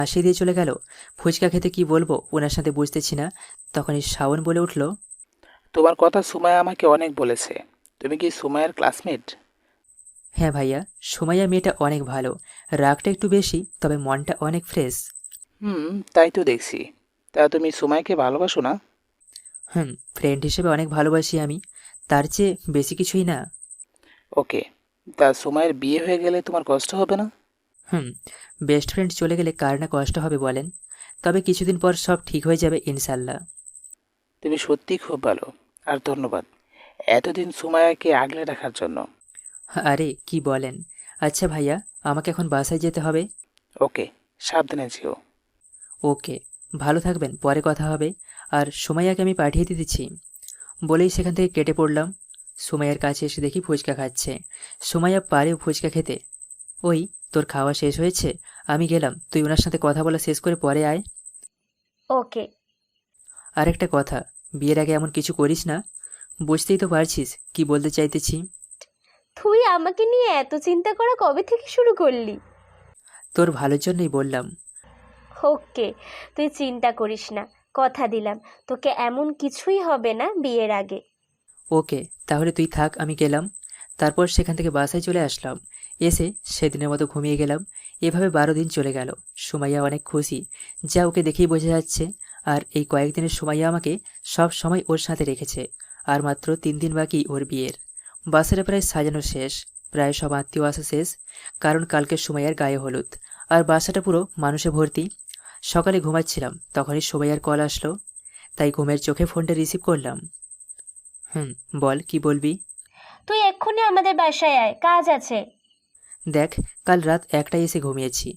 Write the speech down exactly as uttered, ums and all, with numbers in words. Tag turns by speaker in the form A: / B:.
A: হাসি দিয়ে চলে গেল। ফুচকা খেতে কি বলবো ওনার সাথে বুঝতেছি না। তখনই শাওন বলে উঠল,
B: তোমার কথা সুমাইয়া আমাকে অনেক বলেছে। তুমি কি সুমাইয়ার ক্লাসমেট?
A: হ্যাঁ ভাইয়া, সুমাইয়া মেয়েটা অনেক ভালো। রাগটা একটু বেশি, তবে মনটা অনেক ফ্রেশ।
B: হুম, তাই তো দেখছি। তা তুমি সুমাইয়াকে ভালোবাসো না?
A: হুম, ফ্রেন্ড হিসেবে অনেক ভালোবাসি আমি, তার চেয়ে বেশি কিছুই না।
B: ওকে। তা সুমাইয়ের বিয়ে হয়ে গেলে তোমার কষ্ট হবে না?
A: হুম, বেস্ট ফ্রেন্ড চলে গেলে কার না কষ্ট হবে বলেন। তবে কিছুদিন পর সব ঠিক হয়ে যাবে ইনশাল্লাহ।
B: তুমি সত্যিই খুব ভালো। আর ধন্যবাদ এতদিন সুমাইয়াকে আগলে রাখার জন্য।
A: আরে কি বলেন। আচ্ছা ভাইয়া, আমাকে এখন বাসায় যেতে হবে।
B: ওকে, সাবধানে যেও।
A: ওকে, ভালো থাকবেন, পরে কথা হবে। আর সুমাইয়াকে আমি পাঠিয়ে দিতেছি। বলেই সেখান থেকে কেটে পড়লাম। সুমাইয়ার কাছে এসে দেখি ফুচকা খাচ্ছে। সুমাইয়া পারেও ফুচকা খেতে। ওই, তোর খাওয়া শেষ হয়েছে, আমি গেলাম, তুই ওনার সাথে কথা বলা শেষ করে পরে আয়।
C: ওকে।
A: আর একটা কথা, বিয়ের আগে এমন কিছু করিস না। বুঝতেই তো পারছিস কি বলতে চাইতেছি।
C: তুই আমাকে নিয়ে এত চিন্তা করা কবে থেকে শুরু করলি?
A: তোর ভালোর জন্যই বললাম।
C: ওকে, তুই চিন্তা করিস না, কথা দিলাম তোকে এমন কিছুই হবে না বিয়ের আগে।
A: ওকে, তাহলে তুই থাক, আমি গেলাম। তারপর সেখান থেকে বাসায় চলে আসলাম। এসে সেদিনের মতো ঘুমিয়ে গেলাম। এভাবে বারো দিন চলে গেল। সুমাইয়া অনেক খুশি, যা ওকে দেখেই বোঝা যাচ্ছে। আর এই কয়েকদিনের সুমাইয়া আমাকে সব সময় ওর সাথে রেখেছে। আর মাত্র তিন দিন বাকি ওর বিয়ের। বাসাটা প্রায় সাজানো শেষ, প্রায় সব আত্মীয় আসা শেষ, কারণ কালকে সুমাইয়ার গায়ে হলুদ। আর বাসাটা পুরো মানুষে ভর্তি। সকালে ঘুমাচ্ছিলাম, তখনই সুমাইয়ার কল আসলো। তাই ঘুমের চোখে ফোনটা রিসিভ করলাম। হুম, বল কি বলবি।
C: তুই এক্ষুনি আমাদের বাসায় আয়, কাজ আছে।
A: দেখ, কাল রাত একটায় এসে ঘুমিয়েছি।